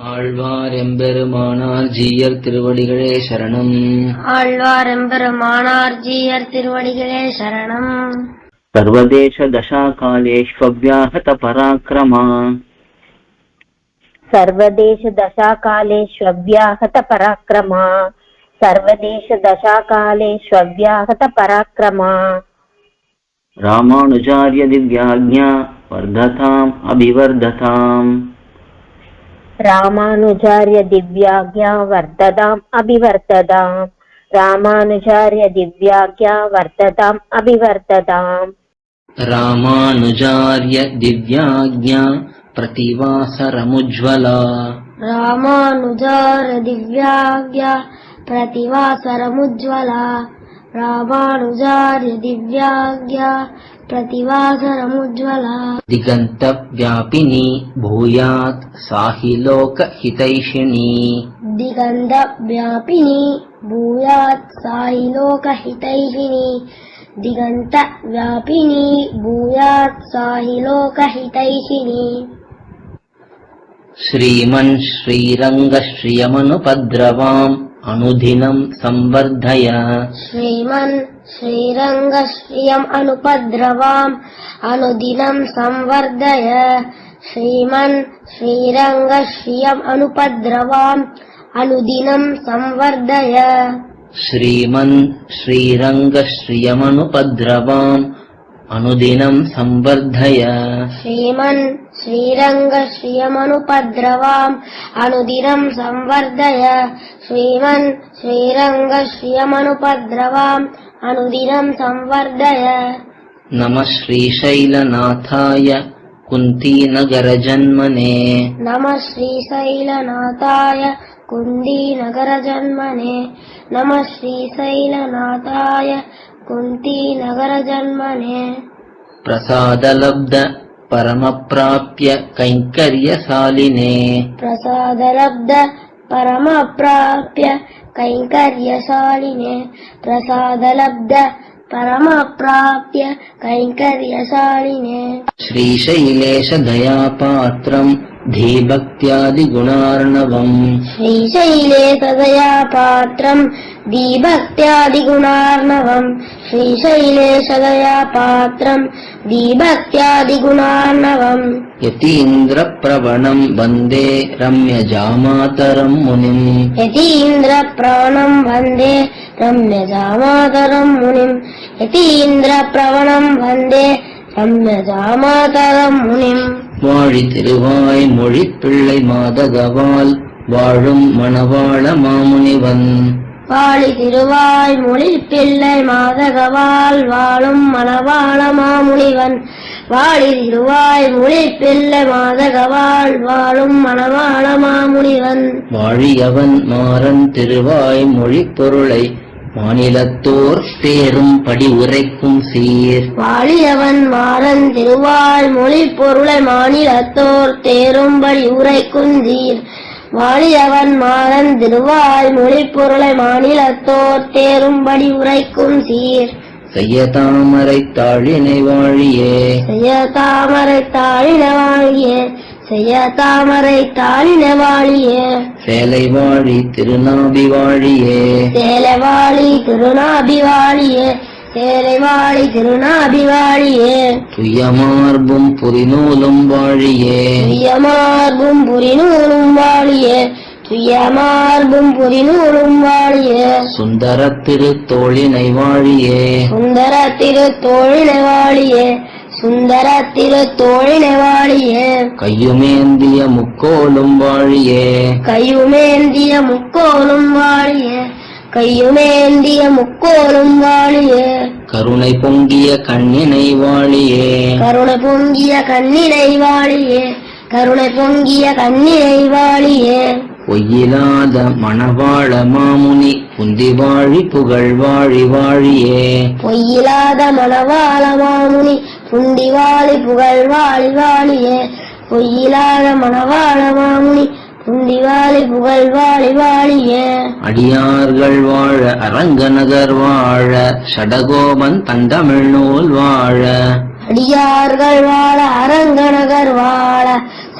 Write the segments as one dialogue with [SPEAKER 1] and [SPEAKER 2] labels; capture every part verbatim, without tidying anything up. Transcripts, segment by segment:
[SPEAKER 1] ஆழ்வார் எம்பெருமானார் ஜீயர் திருவடிகளே சரணம்.
[SPEAKER 2] ஆழ்வார் எம்பெருமானார் ஜீயர் திருவடிகளே சரணம்.
[SPEAKER 1] சர்வதேச தசாகாலேஷ்வவ்யாஹத பராக்கிரமா.
[SPEAKER 3] சர்வதேச தசாகாலேஷ்வவ்யாஹத பராக்கிரமா. சர்வதேச தசாகாலேஷ்வவ்யாஹத பராக்கிரமா.
[SPEAKER 1] ராமானுஜார்ய திவ்யாக்ஞா வர்ததாம் அபிவர்ததாம்.
[SPEAKER 3] ராமானுஜார்ய திவ்யாக்ஞா வர்ததாம் அபிவர்ததாம். ராமானுஜார்ய திவ்யாக்ஞா வர்ததாம் அபிவர்ததாம்.
[SPEAKER 1] ராமானுஜார்ய திவ்யாக்ஞா பிரதிவாசரமுஜ்வலா.
[SPEAKER 2] ராமானுஜார்ய திவ்யாக்ஞா பிரதிவாசரமுஜ்வலா. ராமானுஜார்ய திவ்யாக்ஞா प्रतिवासरमुज्ज्वला.
[SPEAKER 1] दिगंत व्यापिनी भूयात् साहि लोक हितैषिणी.
[SPEAKER 2] दिगंत व्यापिनी भूयात् साहि लोक हितैषिणी. दिगंत व्यापिनी भूयात् साहि लोक हितैषिणी.
[SPEAKER 1] श्रीमन् श्रीरंग श्रियमनुपद्रवाम् अनुदिनं संवर्धय.
[SPEAKER 2] श्रीमन् श्रीरंग श्रियम् अनुपद्रवाम् अनुदिनं संवर्धय. श्रीमन् श्रीरंग श्रियम् अनुपद्रवाम् अनुदिनं संवर्धय.
[SPEAKER 1] श्रीमन् श्रीरंग श्रियमनुपद्रवाम् अनुदिनं संवर्धय.
[SPEAKER 2] श्रीमन् श्रीरंग श्रियमनुपद्रवाम् अनुदिनं संवर्धय. श्रीमन् श्रीरंग श्रियमनुपद्रवाम् अनुदिनं संवर्धय.
[SPEAKER 1] नमः श्रीशैलनाथाय कुन्तीनगरजन्मने.
[SPEAKER 2] नमः श्रीशैलनाथाय कुन्तीनगरजन्मने. नमः श्रीशैलनाथाय कुन्तीनगरजन्मने.
[SPEAKER 1] प्रसादलब्ध परमप्राप्य कैङ्कर्यशालिने.
[SPEAKER 2] प्रसादलब्ध परमप्राप्य कैङ्कर्यशालिने. प्रसादलब्ध परमप्राप्य कैङ्कर्यशालिने.
[SPEAKER 1] श्रीशैलेश दयापात्रम् धीभक्त्यादिगुणार्णवम्.
[SPEAKER 2] श्रीशैलेश दयापात्रम् धीभक्त्यादिगुणार्णवम्. श्रीशैलेश दयापात्रम् धीभक्त्यादिगुणार्णवम्.
[SPEAKER 1] यतीन्द्रप्रवणम् वन्दे रम्यजामातरम् मुनिम्.
[SPEAKER 2] यतीन्द्रप्रवणम् वन्दे रम्यजामातरम् मुनिम्. यतीन्द्रप्रवणम् वन्दे रम्यजामातरम् मुनिम्.
[SPEAKER 1] வாழி திருவாய் மொழிப்பிள்ளை மாதகவால் வாழும் மணவாள மாமுனிவன்.
[SPEAKER 2] வாழி திருவாய் மொழிப்பிள்ளை மாதகவால் வாழும் மணவாள மாமுனிவன். வாழி திருவாய் மொழிப்பிள்ளை மாதகவால் வாழும் மணவாள மாமுனிவன்.
[SPEAKER 1] வாழியவன் மாறன் திருவாய் மொழிப் பொருளை மாநிலத்தோர் தேரும் படி உரைக்கும் சீர்.
[SPEAKER 2] வாழியவன் மாறன் திருவாய் மொழிப் பொருளை மாநிலத்தோர் தேரும்படி உரைக்கும் சீர். வாழியவன் மாறன் திருவாய் மொழிப் பொருளை மாநிலத்தோர் தேரும்படி உரைக்கும் சீர்.
[SPEAKER 1] செய்ய தாமரை தாழினை வாழியே.
[SPEAKER 2] செய்ய தாமரை தாழின வாழியே. செய்ய தாமரை தாழின வாழியே.
[SPEAKER 1] சேலை வாழி திருநாபி வாழியே.
[SPEAKER 2] சேலை வாழி திருநாபி வாழியே. சேலை வாழி திருநாபி வாழியே.
[SPEAKER 1] துய்யமார்பும் புரிநூலும் வாழியே.
[SPEAKER 2] துய்யமார்பும் புரிநூலும் வாழியே. துய்யமார்பும் புரிநூலும் வாழியே.
[SPEAKER 1] சுந்தர திருத்தோழினை வாழியே.
[SPEAKER 2] சுந்தர திருத்தோழினை வாழியே. சுந்தர திருத்தோழினை வாழியே.
[SPEAKER 1] கையுமேந்திய முக்கோலும் வாழியே.
[SPEAKER 2] கையுமேந்திய முக்கோலும் வாழியே. கையுமேந்திய முக்கோலும் வாழியே.
[SPEAKER 1] கருணை பொங்கிய கண்ணினை வாழியே.
[SPEAKER 2] கருணை பொங்கிய கண்ணினை வாழியே. கருணை பொங்கிய கண்ணினை வாழியே.
[SPEAKER 1] பொய்யிலாத மணவாள மாமுனி புந்தி வாழி புகழ் வாழி வாழியே.
[SPEAKER 2] பொய்யிலாத மணவாள மாமுனி புந்தி வாழி புகழ் வாழி வாழியே. பொய்யிலாத மணவாள மாமுனி புந்தி வாழி புகழ் வாழி வாழியே.
[SPEAKER 1] அடியார்கள் வாழ அரங்கநகர் வாழ ஷடகோபன் தந்தமிழ் நூல் வாழ.
[SPEAKER 2] அடியார்கள் வாழ அரங்கநகர் வாழ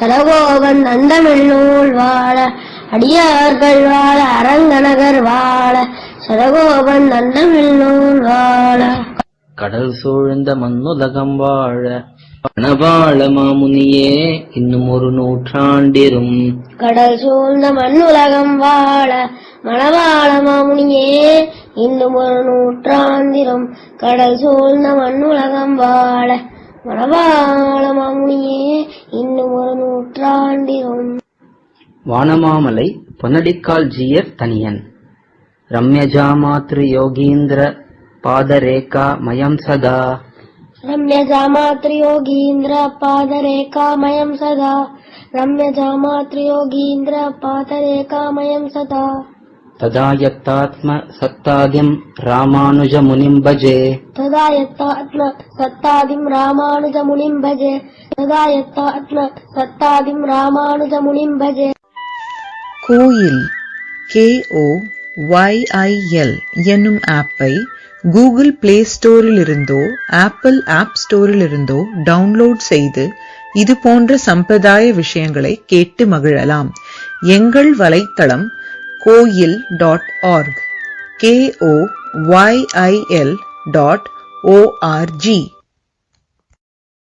[SPEAKER 2] சடகோபன் தந்தமிழ் நூல் வாழ அடியார்கள் வாழ அரங்கநகர் வாழ சடகோபன் தந்தமிழ் நூல் வாழ
[SPEAKER 1] கடல் சூழ்ந்த மண்ணுலகம் வாழ மணவாள மாமுனியே இன்னும் ஒரு நூற்றாண்டிரும்.
[SPEAKER 2] கடல் சூழ்ந்த மண்ணுலகம் வாழ மணவாள மாமுனியே இன்னும் ஒரு நூற்றாண்டிரும். கடல் சூழ்ந்த மண்ணுலகம் வாழ மணவாள மாமுனியே இன்னும் ஒரு நூற்றாண்டிரும்.
[SPEAKER 1] வானமாமலை பொன்னடிக்கால் ஜீயர் தனியன். ரம்யஜாமாத்ரி யோகீந்திர பாதரேகா மயம் சதா.
[SPEAKER 2] ரம்யஜாமாத்ரி யோகீந்திர பாதரேகா மயம் சதா. ரம்யஜாமாத்ரி யோகீந்திர பாதரேகா மயம் சதா.
[SPEAKER 1] ததா யத்தாத்ம சத்தாதிம் ராமானுஜ முனிம் பஜே.
[SPEAKER 2] ததா யத்தாத்ம சத்தாதிம் ராமானுஜ முனிம் பஜே. ததா யத்தாத்ம சத்தாதிம் ராமானுஜ முனிம் பஜே.
[SPEAKER 4] Koyil K O Y I L என்னும் ஆப்பை கூகுள் பிளே ஸ்டோரில் இருந்தோ ஆப்பிள் ஆப் ஸ்டோரில் இருந்தோ டவுன்லோட் செய்து இது போன்ற சம்பிரதாய விஷயங்களை கேட்டு மகிழலாம். எங்கள் வலைத்தளம் Koyil dot org K O Y I L dot O R G.